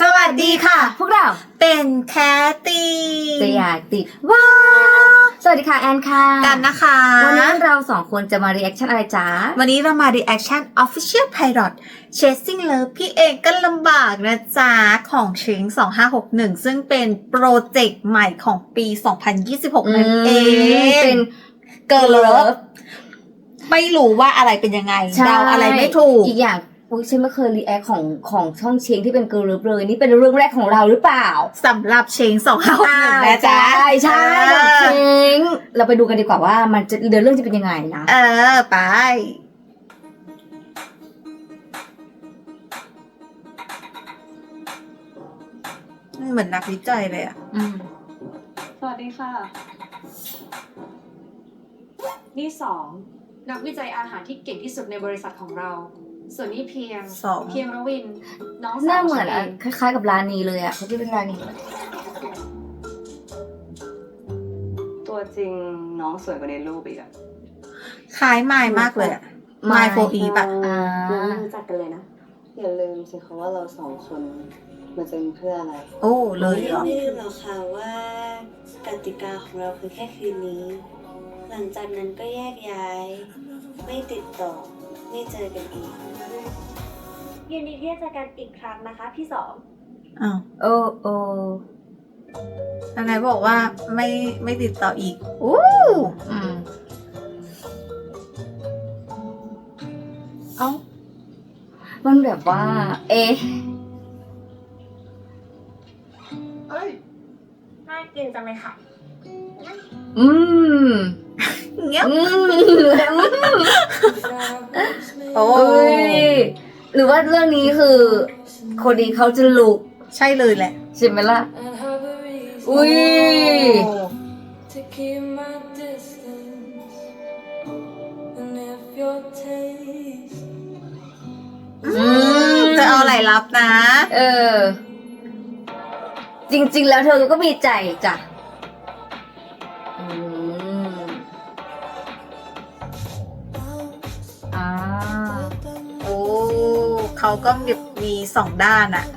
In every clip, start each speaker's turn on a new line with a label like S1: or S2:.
S1: สวัสดีค่ะ
S2: พวกเรา
S1: เป็นแคตตี้
S2: จะอยากติดว้าสวัสดีค่ะแอนค่ะ
S1: กันนะคะ
S2: วันนี้เราสองคนจะมารีแอคชั่นอะไรจ๊ะ
S1: วันนี้เรามา reaction official pilot chasing love พี่เองก็ลำบากนะจ๊ะของชิง2561ซึ่งเป็นโปรเจกต์ใหม่ของปี2026นั่นเอง
S2: เป็น
S1: Girl Love ไม่รู้ว่าอะไรเป็นยังไงเดาอะไรไม่ถูก
S2: อีกอย่างฉันไม่เคยรีแอคของช่องเชงที่เป็น Girl Love เลยนี่เป็นเรื่องแรกของเราหรือเปล่า
S1: สำหรับเชง2561นะจ๊ะ
S2: ใช่เชงเราไปดูกันดีกว่าว่ามันจะเรื่องจะเป็นยังไงนะ
S1: ไปเหมือนนักวิจัยเลยอ่ะ
S3: สวัสดีค่ะ นี่นักวิจัยอาหารที่เก่งที่สุดในบริษัทของเรา ส่วนนี้เพียงระวินน้องสาว
S2: หน้าเหมือนคล้ายๆกับร้านนี้เลยอ่ะเขาที่เป็นร้านนี้
S4: ตัวจริงน้องสวยกว่าในรูปอีกอะ
S1: คล้ายไมล์มากเลยอะไมล์โฟอีปะ
S4: ยังไม่รู้จักกันเลยนะอย่าลืมสิคะว่าเราสองคนมาเจอเพื่ออะไร
S1: โอ้เลยเหรอ
S5: ไม่ลืมหรอกค่ะว่ากติกาของเราคือแค่คืนนี้ หลังจากนั้นก็แยกย้ายไม่ติดต่อไม่เจอกันอีกยินดีที่จะเจอกันอีกครั้งนะคะพี่สอง
S1: โอ้ยังไงบอกว่าไม่ติดต่ออีก
S2: มันแบบว่า
S5: น่ากินจังเลยค่ะ
S1: เงี้ย
S2: โอ้ยหรือว่าเรื่องนี้คือคนดีเขาจะลุก
S1: ใช่เลยแหละ
S2: ใช่ไหมล่ะอุ้ย
S1: จะเอาอะไรรับนะ
S2: จริงๆแล้วเธอก็มีใจจ้ะ
S1: เขาก็มีสองด้านอ่ะ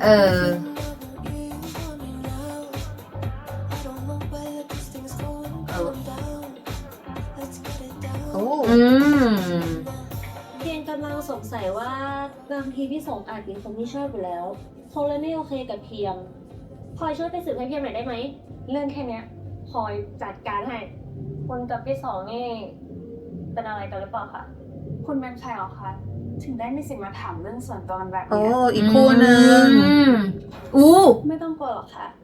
S5: เพียงกำลังสงสัยว่าบางทีพี่สงอาจมีคนที่ชอบอยู่แล้วคงเลยไม่โอเคกับเพียงพลอยช่วยไปสืบให้เพียงหน่อยได้ไหมเรื่องแค่เนี้ยพลอยจัดการให้คุณกับพี่สองนี่เป็นอะไรกันหรือเปล่าคะ
S3: คุณเป็นใครหรอคะถึงได้มีสิทธิ์มาถามเรื่องส่วนตัวแบบ
S1: นี้
S3: อี
S1: กคู่หนึ่ง
S5: ไม่ต้องกลัวหรอกค่ะ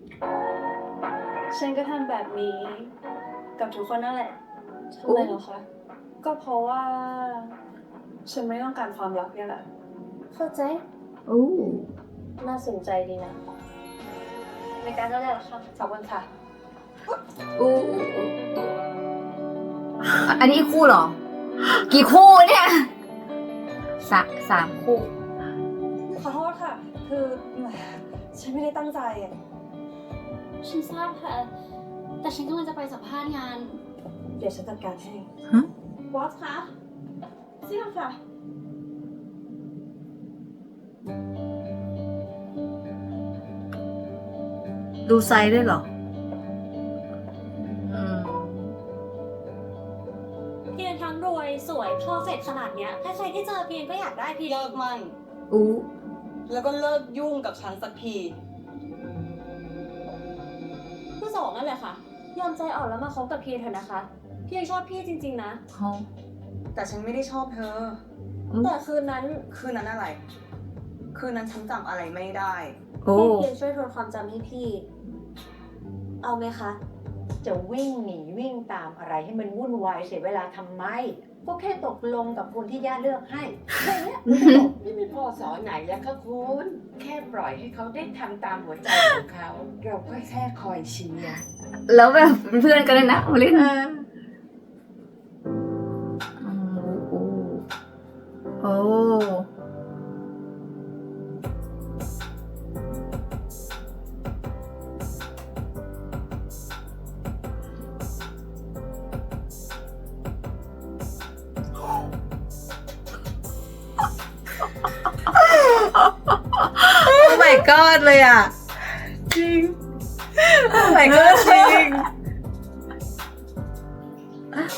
S5: ฉันก็ทำแบบนี้กับทุกคนนั่นแหละทำไมหรอคะ
S3: ก็เพราะว่าฉันไม่ต้องการความรักเนี่ยแหละ
S5: เข้าใจน่าสนใจดีนะในการเล่าได้หรอคะ
S3: ขอบคุณค่ะ
S2: อันนี้คู่เหรอกี่คู่เนี่ยสามคู่
S3: ขอโทษค่ะคือฉันไม่ได้ตั้งใจ
S5: ฉันทราบค่ะแต่ฉันกำลังจะไปสัมภาษณ์งาน
S3: เดี๋ยวฉันจัดการให้บอสคะเสี่ยงค่ะ
S1: ดูไซส์ด้วยเหรอ
S5: เพียงทั้งรวยสวยเพอร์เฟกต์ขนาดเนี้ยใครๆที่เจอเพียงก็อยากได้พี่
S4: เลิกมันแล้วก็เลิกยุ่งกับฉันสักที
S5: ผู้สองนั่นแหละค่ะยอมใจอ่อนแล้วมาคบกับเพียงเถอะนะคะเพียงชอบพี่จริงๆนะ
S4: แต่ฉันไม่ได้ชอบเธอ
S5: แต่คืนนั้น
S4: อะไรคืนนั้นฉันจำอะไรไม่ได้
S5: เพียงช่วยทวนความจำให้พี่เอาไหมคะ
S6: จะวิ่งหนีวิ่งตามอะไรให้มันวุ่นวายเสียเวลาทำไมก็แค่ตกลงกับคนที่ย่าเลือกให้แค่นี้นี่ไม่พอสอนไหนแล้วก็คุณแค่ปล่อยให้เขาได้ทำตามหัวใจของเขาเราก็แค่คอยเชียร์
S2: แล้วแบบเป็นเพื่อนกันเลยนะมาเล่น
S1: god เลยอ่ะ จริง oh my god จริง
S2: โอ้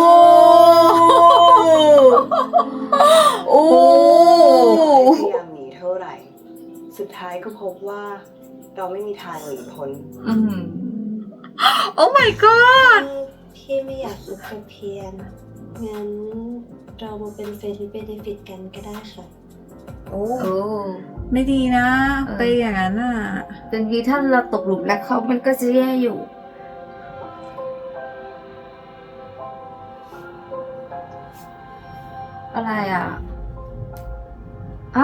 S2: โอ้
S4: พยายามหนีเท่าไหร่ สุดท้ายก็พบว่าเราไม่มีทางหนีพ้น
S2: อืม
S1: oh my god
S5: พี่ไม่อยากอยู่กับเพียงงั้นเรามาเป็นเฟรนด์เบเนฟิตกันก็ได้ค่ะ
S2: โอ้
S1: ไม่ดีนะ
S2: เออ
S1: ไปอย่างนั้นอ่ะ
S2: บางทีถ้าเราตกหลุมรักเขามันก็จะแย่อยู่ อะไรอ่ะอะ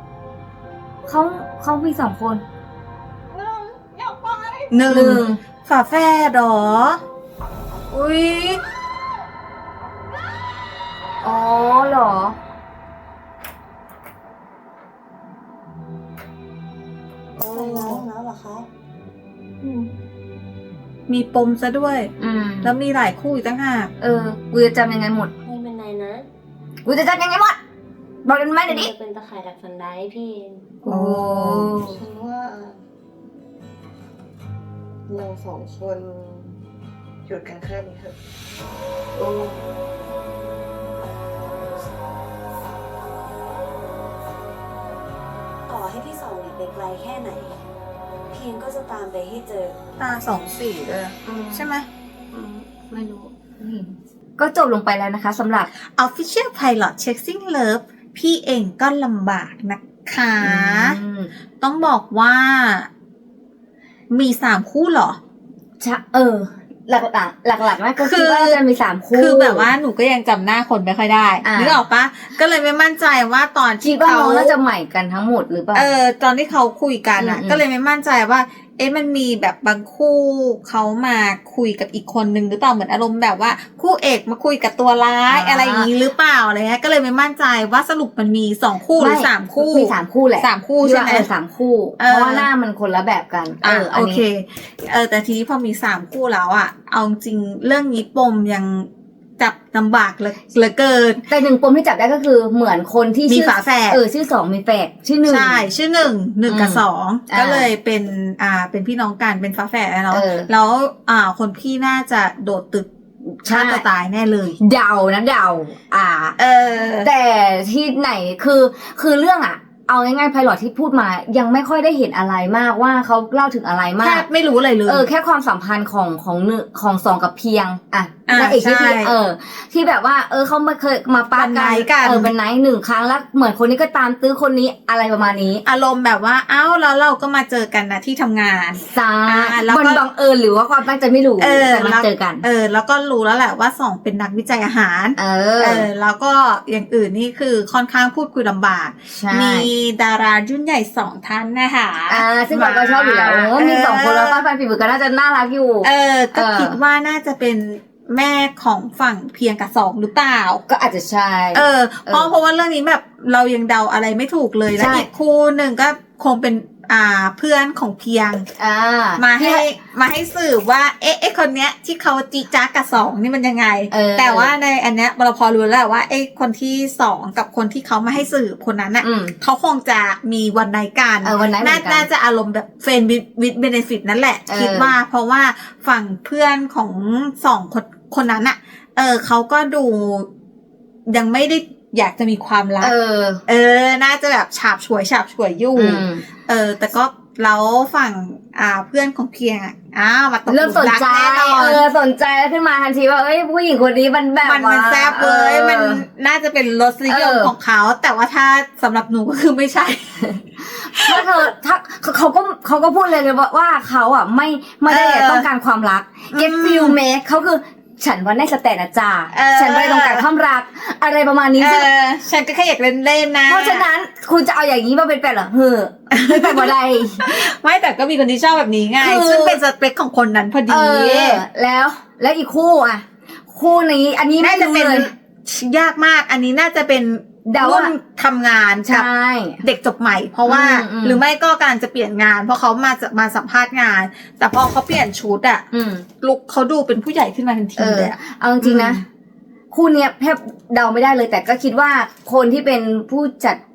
S2: เขามีสองคน
S1: หนึ่งฝาแฝดเหรอ อุ้ย
S2: อ๋อเหรอ
S5: ใส่ร้ายแล้วเหรอคะ
S1: มีปมซะด้วย
S2: อืม
S1: แล้วมีหลายคู่อีกตั้งหาก
S2: กูจะจำยังไงหมด
S5: ไม่เป็นไรนะ
S2: กูจะจำยังไงหมด บอกกันไหมเดี๋ยวนี้
S5: จะเป็นตะข่ายดักฟันได้พี่เอง
S2: โอ้
S4: ฉันว่าเราสองคนหยุดกันแค่นี้เถอะ
S5: ต่อให้พี่สองหนีไปไกลแค่ไหน เพียงก็จะตามไปให้เจอ
S1: ตาสองสีเลยใช่ไหม
S2: ไม่รู้ ก็จบลงไปแล้วนะคะสำหรับ
S1: Official Pilot Chasing Love พี่เองก็ลำบากนะคะ ต้องบอกว่า มี3 คู่เหรอ
S2: หลักๆนะก็
S1: คื
S2: คิด
S1: อ
S2: ว่าจะมี3 คู่
S1: คือแบบว่าหนูก็ยังจำหน้าคนไม่ค่อยได้
S2: อ่ะ
S1: นึกออกปะก็เลยไม่มั่นใจว่าตอน
S2: คิ
S1: ที่
S2: ดว่า
S1: เขา
S2: น้องน่าจะใหม่กันทั้งหมดหรือเปล่า
S1: ตอนที่เขาคุยกันอ่ะ
S2: อืม
S1: ก็เลยไม่มั่นใจว่า มันมีแบบบางคู่เขามาคุยกับอีกคนนึงหรือเปล่าเหมือนอารมณ์แบบว่าคู่เอกมาคุยกับตัวร้ายอะไรอย่างนี้หรือเปล่าอะไรเงี้ยก็เลยไม่มั่นใจว่าสรุปมันมี2 คู่หรือ3 คู่
S2: มี3 คู่แหละ
S1: 3 คู่
S2: ที่
S1: ใช่
S2: ว่า
S1: ไหม
S2: 3 คู่
S1: เออ
S2: เพราะว่าหน้ามันคนละแบบกัน
S1: อั
S2: อัน
S1: โอเค
S2: นี้
S1: แต่ทีนี้พอมี3 คู่แล้วอ่ะเอาจริงเรื่องนี้ปมยังจับลำบากเหลือเกิน
S2: แต่1 ปมที่จับได้ก็คือเหมือนคนที่
S1: มี
S2: ชื่อ
S1: ฝาแฝด
S2: ชื่อ2มีแฝดชื่อ1
S1: ใช่ชื่อ1กับ 2ก็เลยเป็นเป็นพี่น้องกันเป็นฝาแฝดเนาะ
S2: เออ
S1: แล้วคนพี่น่าจะโดดตึก
S2: ใช่
S1: ฆ่าตัวตายแน่เลย
S2: เดานะเดา
S1: เออ
S2: แต่ที่ไหนคือเรื่องเอาง่ายๆไพลอตที่พูดมายังไม่ค่อยได้เห็นอะไรมากว่าเขาเล่าถึงอะไรมา
S1: แท
S2: ก
S1: บไม่รู้อะไรเลย
S2: แค่ความสัมพันธ์ของสองกับเพียงนางเอก
S1: ใช่
S2: ที่ที่แบบว่าเขาไม่เคยมาปา
S1: เป็นไนท์กัน
S2: เป็นไนท์1 ครั้งแล้วเหมือนคนนี้ก็ตามตื้อคนนี้อะไรประมาณนี้
S1: อารมณ์แบบว่าเอ้าแล้วเราก็มาเจอกันนะที่ทำงาน
S2: ซา
S1: แล้วก็
S2: มันบังเอิญหรือว่าความตั้งใจไม่รู้แต่มาเจอกัน
S1: แล้วก็รู้แล้วแหละว่า2เป็นนักวิจัยอาหาร แล้วก็อย่างอื่นนี่คือค่อนข้างพูดคุยลำบาก
S2: ใช่
S1: มีดารารุ่นใหญ่2 ท่านนะคะ
S2: ซึ่งเราก็ชอบอยู่แล้วมี2 คนแล้วป้าฟันฝีมือก็น่าจะน่ารักอยู่
S1: ก็คิดว่าน่าจะเป็นแม่ของฝั่งเพียงกับ2หรือเปล่า
S2: ก็อาจจะใช่
S1: เพราะว่าเรื่องนี้แบบเรายังเดาอะไรไม่ถูกเลยแล้ว
S2: ใช่
S1: อีกคู่หนึ่งก็คงเป็นเพื่อนของเพียง มาให้สืบว่าคนเนี้ยที่เขาจีจ้ากับ2นี่มันยังไง แต่ว่าในอันเนี้ยเราพอรู้แล้วว่าคนที่2กับคนที่เขามาให้สืบคนนั้นน่ะเขาคงจะมีวันไนท์กัน
S2: วันนั้นเหมือนกัน
S1: น่าจะอารมณ์แบบเฟรนด์วิดเบเนฟิตนั่นแหละ คิดว่าเพราะว่าฝั่งเพื่อนของ2 คนนั้นน่ะเขาก็ดูยังไม่ได้อยากจะมีความรักน่าจะแบบฉาบฉวยอยู่แต่ก็แล้วฝั่งเพื่อนของเพียงมาตกห
S2: เริ่
S1: ลุ
S2: ม
S1: ม
S2: สน
S1: รัก
S2: ใจ
S1: แน่นอน
S2: สนใจแล้วขึ้นมาทันทีว่าผู้หญิงคนนี้มันแบบ
S1: มันแซ่บเลยมันน่าจะเป็นรสนิยมของเขาแต่ว่าถ้าสำหรับหนูก็คือไม่ใช่
S2: ถ้าเขาก็พูดเลยว่าเขาไม่ได้ต้องการความรัก get feel make เขาคือฉันว่าในสแตนนะจ้าฉันไม่ได้ต้องการความรักอะไรประมาณนี้
S1: ฉันก็แค่อยากเล่นๆนะ
S2: เพราะฉะนั้นคุณจะเอาอย่างนี้มาเป็นแฟนเหรอไม่เป็นบ่ได้
S1: ไม่แต่ก็มีคนที่ชอบแบบนี้ไงซึ่งเป็นสเปคของคนนั้นพอดี
S2: แล้วอีกคู่คู่นี้อันนี้
S1: น่าจะเป็น
S2: เลย
S1: ยากมากอันนี้น่าจะเป็นรุ่นทำงาน
S2: ใช่
S1: เด็กจบใหม่เพราะว่าหรือไม่ก็กำลังจะเปลี่ยนงานเพราะเขามาสัมภาษณ์งาน แต่พอเขาเปลี่ยนชุดลุคเขาดูเป็นผู้ใหญ่ขึ้นมาทันทีเลย
S2: เอาจริงๆนะคู่เนี้ยแทบเดาไม่ได้เลยแต่ก็คิดว่าคนที่เป็นผู้จัด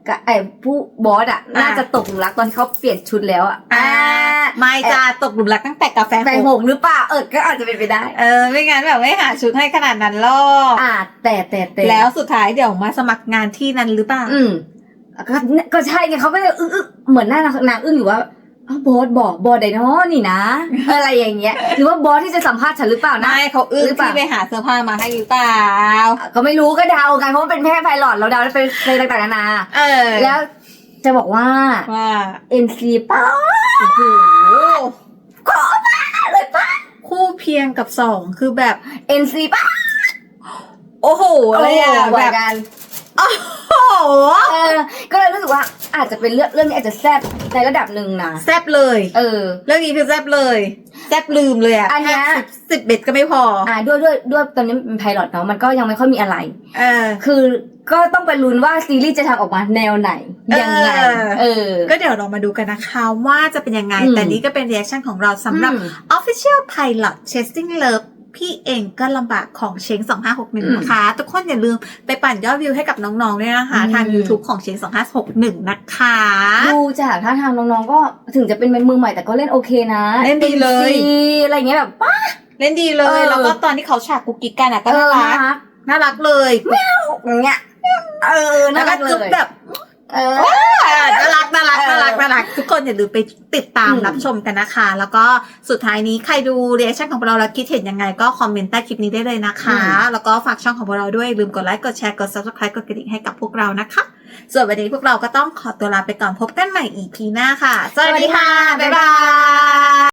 S2: กับไอ้ผู้บอสอ่ะน่าจะตกหลุมรักตอนที่เขาเปลี่ยนชุดแล้วอ่ะ
S1: ไม่จะตกหลุมรักตั้งแต่กาแฟ
S2: แบ่งหกหรือเปล่าก็อาจจะเป็นไปได้
S1: ไม่งั้นแบบไม่หาชุดให้ขนาดนั้นหรอก
S2: แต่
S1: แล้วสุดท้ายเดี๋ยวมาสมัครงานที่นั้นหรือเปล่า
S2: ก็ใช่ไงเขาก็เลยอึ้งเหมือนหน้านางอึ้งอยู่ว่าบอสบอสไดโนนี่นะ อะไรอย่างเงี้ยหรือว่าบอสที่จะสัมภาษณ์ฉันหรือเปล่านะ
S1: ไม่เขาอึ้งที่ไปหาเสื้อผ้ามาให้หรือเปล่า
S2: ก็ไม่รู้ก็เดากันเพราะมันเป็นแค่ไพลอตเราเดาไปต่างๆนานาแล้วจะบอกว่า NC ป้า
S1: โอ้โห
S2: ขอมาเลยป้า
S1: คู่เพียงกับ2คือแบบ
S2: NC ป้า
S1: โอ้โหอะไรอะ
S2: แบ
S1: แบบ บ
S2: กัน
S1: โอ้โห
S2: ก็เลยรู้สึกว่าอาจจะเป็นเรื่องนี้อาจจะแซ่บในระดับหนึ่งนะ
S1: แซบเลย เรื่องนี้คือแซบเลยแซบลืมเลยอ่ะ
S2: อันเนี้ย
S1: 10 เบ็ดก็ไม่พอ
S2: ด้วยตอนนี้เป็นไพลอตเนาะมันก็ยังไม่ค่อยมีอะไร คือก็ต้องไปลุ้นว่าซีรีส์จะทำออกมาแนวไหนยังไง
S1: ก็เดี๋ยวเรามาดูกันนะคะว่าจะเป็นยังไงแต่นี้ก็เป็นรีแอคชั่นของเราสำหรับ Official Pilot Chasing Love พี่เองก็ลำบากของเชง2561นะคะทุกคนอย่าลืมไปปั่นยอดวิวให้กับน้องๆด้วยนะคะทาง YouTube ของเชง2561นะคะ
S2: ดูจากท่าทางน้องๆก็ถึงจะเป็นมือใหม่แต่ก็เล่นโอเคนะ
S1: เล่นดีเลย
S2: อะไรเงี้ยแบบป้า
S1: เล่นดีเลยแล้วก็ตอนที่เขาฉากกุ๊กกิ๊กกันอ่ะก็น่ารักเลย
S2: อย่างเงี้ย
S1: น่ารักเลยแบบน่ารักทุกคนอย่าลืมไปติดตามรับชมกันนะคะแล้วก็สุดท้ายนี้ใครดูรีแอคชั่นของเราแล้วคิดเห็นยังไงก็คอมเมนต์ใต้คลิปนี้ได้เลยนะคะแล้วก็ฝากช่องของเราด้วยลืมกดไลค์กดแชร์กด Subscribe กดกระดิ่งให้กับพวกเรานะคะส่วนวันนี้พวกเราก็ต้องขอตัวลาไปก่อนพบกันใหม่ EP หน้าค่ะสวัสดีค่ะบ๊ายบาย